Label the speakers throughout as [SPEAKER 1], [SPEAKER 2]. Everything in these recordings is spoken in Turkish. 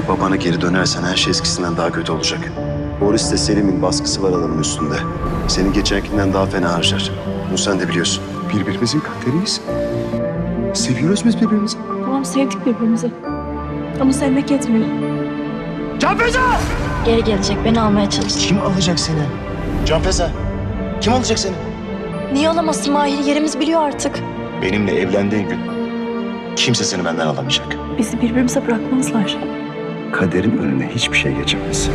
[SPEAKER 1] Eğer babana geri dönersen her şey eskisinden daha kötü olacak. Boris'te Selim'in baskısı var adamın üstünde. Seni geçenkinden daha fena harcar. Bunu sen de biliyorsun. Birbirimizin kaderiyiz. Seviyoruz biz birbirimizi.
[SPEAKER 2] Tamam, sevdik birbirimizi. Ama sevmek yetmiyor.
[SPEAKER 1] Canfeza!
[SPEAKER 2] Geri gelecek, beni almaya çalışacak.
[SPEAKER 1] Kim alacak seni? Canfeza. Kim alacak seni?
[SPEAKER 2] Niye alamazsın Mahir? Yerimizi biliyor artık.
[SPEAKER 1] Benimle evlendiğin gün kimse seni benden alamayacak.
[SPEAKER 2] Bizi birbirimize bırakmazlar.
[SPEAKER 1] Kaderin önüne hiçbir şey geçemez.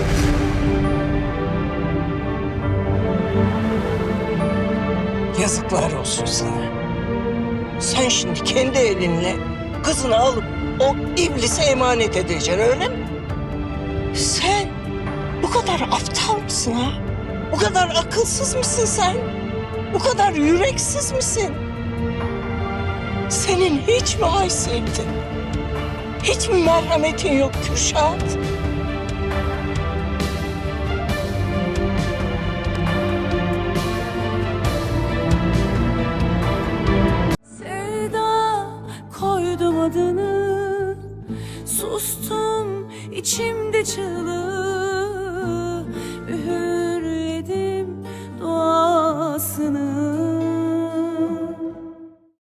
[SPEAKER 3] Yazıklar olsun sana. Sen şimdi kendi elinle kızını alıp o iblise emanet edeceksin, öyle mi? Sen bu kadar aptal mısın ha? Bu kadar akılsız mısın sen? Bu kadar yüreksiz misin? Senin hiç mi haysiyetin? Hiç mi merhametin yok Kürşat?
[SPEAKER 4] Sevda koydum adını, sustum içimde çığlık.